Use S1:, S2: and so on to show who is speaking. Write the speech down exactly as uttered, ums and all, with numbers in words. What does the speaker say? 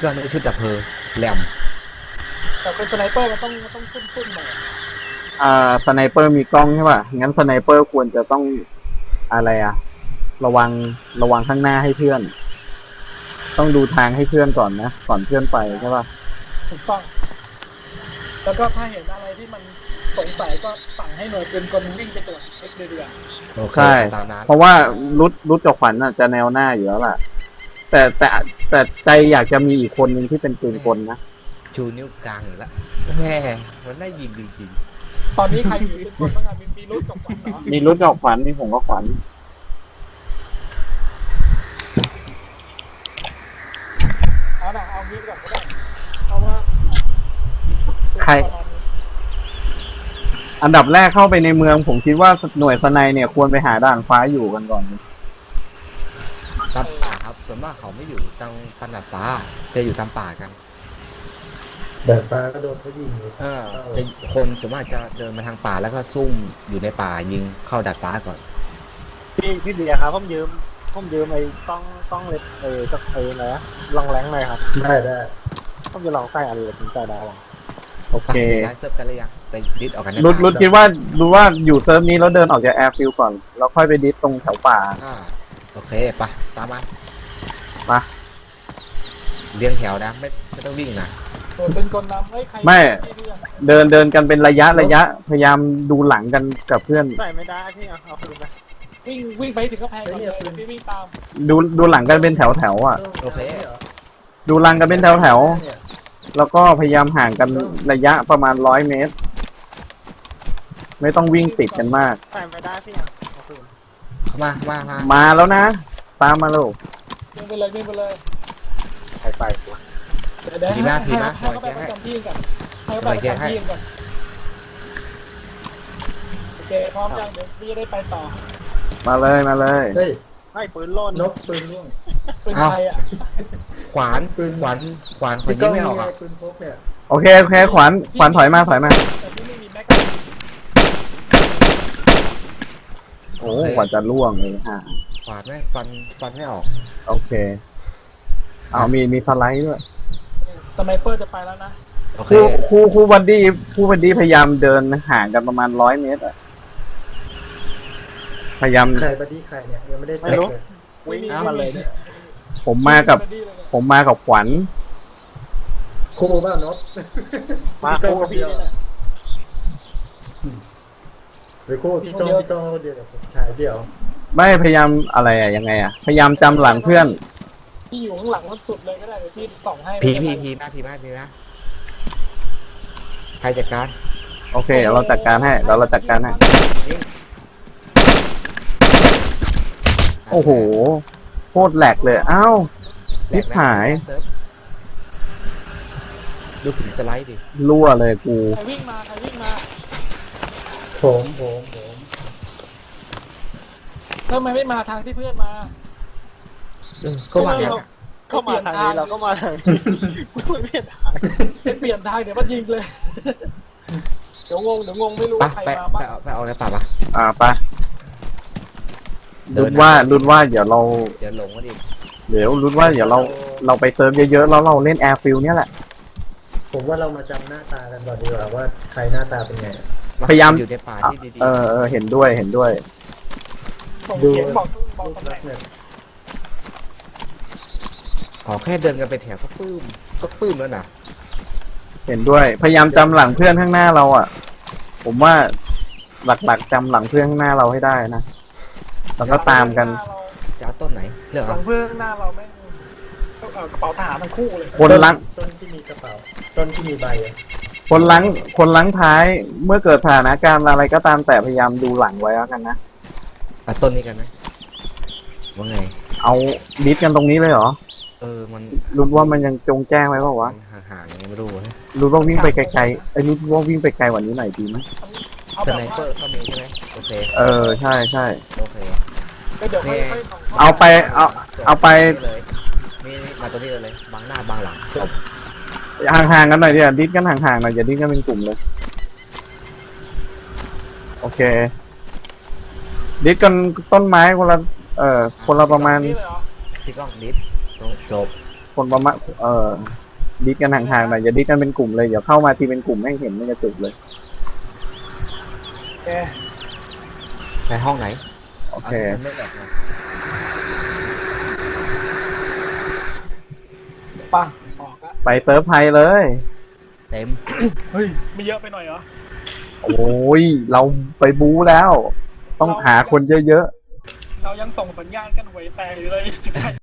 S1: ก็นึกชุดดับเพลิงแหลม
S2: แต่เป็นสไนเปอร์มันต้องมันต้องซุ่มๆหน่อย
S3: อ่าสไนเปอร์มีกล้องใช่ป่ะงั้นสไนเปอร์ควรจะต้องอะไรอะระวังระวังข้างหน้าให้เพื่อน ต้องดูทางให้เพื่อนก่อนนะก่อนเพื่อนไปใช่ป่ะ
S2: ถูกต้องแล้วก็ถ้าเห็นอะไรที่มันสงสัยก็สั่งให้หน่วยปืนกลวิ่งไปตรวจเช็คเดือด
S3: ใช่เพราะว่ารุดรุดกับขวัญน่ะจะแนวหน้าอยู่แล้วล่ะแต่แต่แต่ใจอยากจะมีอีกคนหนึ่งที่เป็นปืนกลนะ
S1: ชูนิ้วกลางอยู่แล้วแม่มันได้ยิงจริง
S2: ๆตอนนี้ใครอยู่เป็นคนบ้างอะมีมีรุดกับขวัญเหรอ
S3: มีรุดกับขวัญมีผมกับขวัญ
S2: เอาหน่ะเอางี้ก่อนก็ได้เพราะว่า
S3: ใครอันดับแรกเข้าไปในเมืองผมคิดว่าหน่วยสไนเนี่ยควรไปหาด่านฟ้าอยู่กันก่อน
S1: ตามป่าครับส่วนมากเขาไม่อยู่ตามตามดาดฟ้าจะอยู่ตามป่ากัน
S4: ดาดฟ้าก็โดนเขายิง
S1: เออจะคนส่วนมากจะเดินมาทางป่าแล้วก็ซุ่มอยู่ในป่ายิงเข้าดาดฟ้าก่อน
S5: พี่พี่เดียครับผมยืมผมยืมไอ้ต้องต้องเล็ดเออสักเอออะไรนะลองแรงหน่อยครับ
S4: ได้ได้
S5: ผมจะลองใส่อะไรถึงใจได้หรอ
S3: โอเค
S1: ย้ายเซิร์ฟกันเลยยังไปดิสออกกันได้
S3: รุดรุดคิดว่ารู้ว่าอยู่เซิร์ฟนี้แล้วเดินออกจากแอร์ฟิลก่อนแล้วค่อยไปดิสตรงแถวป่า
S1: อ่าโอเคปะตามมา
S3: ปะ
S1: เรียงแถวนะไม่ไม่ต้องวิ่งนะ
S2: เป็นคนนำให้ใคร
S3: ไม่เดินเดินกันเป็นระยะระยะพยายามดูหลังกันกับเพื่อน
S5: ใส่ไม่ได้พี่เอาเอาคืนไป
S2: วิ่งวิ่งไปถึงก็แพงก่อนเลยพี่วิ่งตาม
S3: ดูดูหลังกันเป็นแถวแถวอ่ะ
S1: โอเค
S3: ดูหลังกันเป็นแถวแถวแล้วก็พยายามห่างกันระยะประมาณร้อยเมตรไม่ต้องวิ่งติดกันมาก
S5: ใส่ไม่ได้พี่เอาคืน
S1: มามามา
S3: มาแล้วนะตามมาลูก
S2: วิ่งไปเลยวิ่งไปเลย
S5: ใครไป
S2: เดี๋ยวให้ให้เขาไปประจำที่กันให้เขาไปประจำที่กันโอเคพร้อมยังเดี๋ยวพี่จะได้ไปต่อ
S3: มาเลยมาเลย
S4: เฮ้ย
S5: ไม่ปืนโล่น
S4: นกปืนร่วง
S2: ปืนใครอ่ะ
S1: ขวานปืนขวานขวานขวานยิงไม่ออกอ่ะ
S4: ปืนพกเนี่ย
S3: โอเคโอเคขวานขวานถอยมาถอยมาโอ้กว่าจะล่วงเลยฮะ
S1: ขวานไม่ฟันฟันไม่ออก
S3: โอเคเอามีมีสไลด์ด้วย
S2: สไนเปอร์จะไปแล้วนะ
S3: คู่คู่คู่บันดี้คู่บันดี้พยายามเดินห่างกันประมาณร้อยเมตรอะพยายาม
S4: ใครบันดี้ใครเนี่ยยังไม่ได้ไม่รู้
S2: วิ่งมาเลย
S3: ผมมากับผมมากับขวัญ
S4: คู่บ้านนก
S5: มาคู่กับพี่นี่แหละ
S4: หรือคู่พี่ต้องพี่ต้องเดียวกับผมชายเดียว
S3: ไม่พยายามอะไรอะยังไงอะพยายามจำหลังเพื่อน
S2: พี่อยู่ข้างหลังสุดเลยก็ได้เดี๋ยวพี่ส่องให้
S1: พีพีพีมาพีมาพีมาใครจัดการ
S3: โอเคเราจัดการให้เราเราจัดการให้โอ้โหโคตรแหลกเลยอ้าวทิพหาย
S1: ดูผีสไลด์ดิ
S3: รั่วเลยกู
S2: ใครวิ่งมาใครวิ่งมา
S4: ผมผมผม
S2: ทำไมไม่มาทางที่เพื่อนมา
S1: ก็มาเนี่ย
S5: เข้ามาทางนี้เราก็มาทางนี้ไม่เปลี่ยนทาง
S2: เปลี่ยนทางเดี๋ยวมันยิงเลยเดี๋ยวงงเดี๋ยวงงไม่รู้ใครมาบ้าง
S1: ไปเอาในป่าปะ
S3: อ่าไปรุดว่ารุดว่าเดี๋ยวเรา
S1: เดี๋ยวหลงก็ดี
S3: เดี๋ยวรุดว่าเดี๋ยวเราเราไปเซิร์ฟเยอะๆแล้วเราเล่นแอร์ฟิลเนี่ยแหละ
S4: ผมว่าเรามาจำหน้าตากันก่อนดีกว่าว่าใครหน้าตาเป็นไง
S3: พยายาม
S1: อยู่ในป่าที่ดี
S3: ๆเออเออเห็นด้วยเห็นด้วย
S2: ดูบอกบอกตำแหน่ง
S1: ขอแค่เดินกันไปแถวก็ปื้มก็ปื้มแล้วนะ
S3: เห็นด้วยพยายามจำหลังเพื่อนข้างหน้าเราอ่ะผมว่าหลักๆจำหลังเพื่อนข้างหน้าเราให้ได้นะแล้วก็ตามกัน
S1: จะเอาต้นไหนเลือก
S2: หลังเพื่อนข้างหน้าเราไม่กระเป๋าทหารทั้งคู่เลย
S3: คนลัง
S4: ต้นที่มีกระเป๋าต้นที่มีใบ
S3: คนลังคนลังท้ายเมื่อเกิดสถานการณ์อะไรก็ตามแต่พยายามดูหลังไว้แล้วกันนะ
S1: เอาต้นนี้กันไหมว่าไง
S3: เอาดิสกันตรงนี้เลยเหรอ
S1: เออมัน
S3: รู้ว่ามันยังจงแจ้งไว้เปล่าวะ
S1: ห่างๆยังไม่รู้
S3: รู้ว่าวิ่งไปไกลๆไอ้นี่ว่าวิ่งไปไกลกว่านี้หน่อยดีไหม
S1: สไนเปอร์ก็มีใช่ไหมโอเค
S3: เออใช่ใช่
S1: โอเค
S3: เอาไปเอาเอาไป
S1: นี่มาตัวนี้เลยบังหน้าบังหลัง
S3: ห่างๆกันหน่อยดิดิสกันห่างๆหน่อยอย่าดิสกันเป็นกลุ่มเลยโอเคดิสกันต้นไม้คนละเอ่อคนละประมาณ
S1: พี่ก้องดิสจบ
S3: คนประมาณเออดิสกันห่างๆหน่อยอย่าดิสกันเป็นกลุ่มเลยเดี๋ยวเข้ามาทีเป็นกลุ่มแม่งเห็นไม่กระจุกเลย
S5: เอ๊ะ
S1: ในห้องไหน
S3: โอเค
S1: าที่มันไม่ออกมา
S2: ป่ะออกอะ
S3: ไปเซิร์ฟไทยเลย
S1: เต็ม
S2: เฮ้ยไม่เยอะไปหน่อยเหรอ
S3: โอ้ยเราไปบู๊แล้ว ต้องหาคนเยอะ
S2: เรายังส่งสัญญาณกันหวยแตกอยู่เลยสิบแปด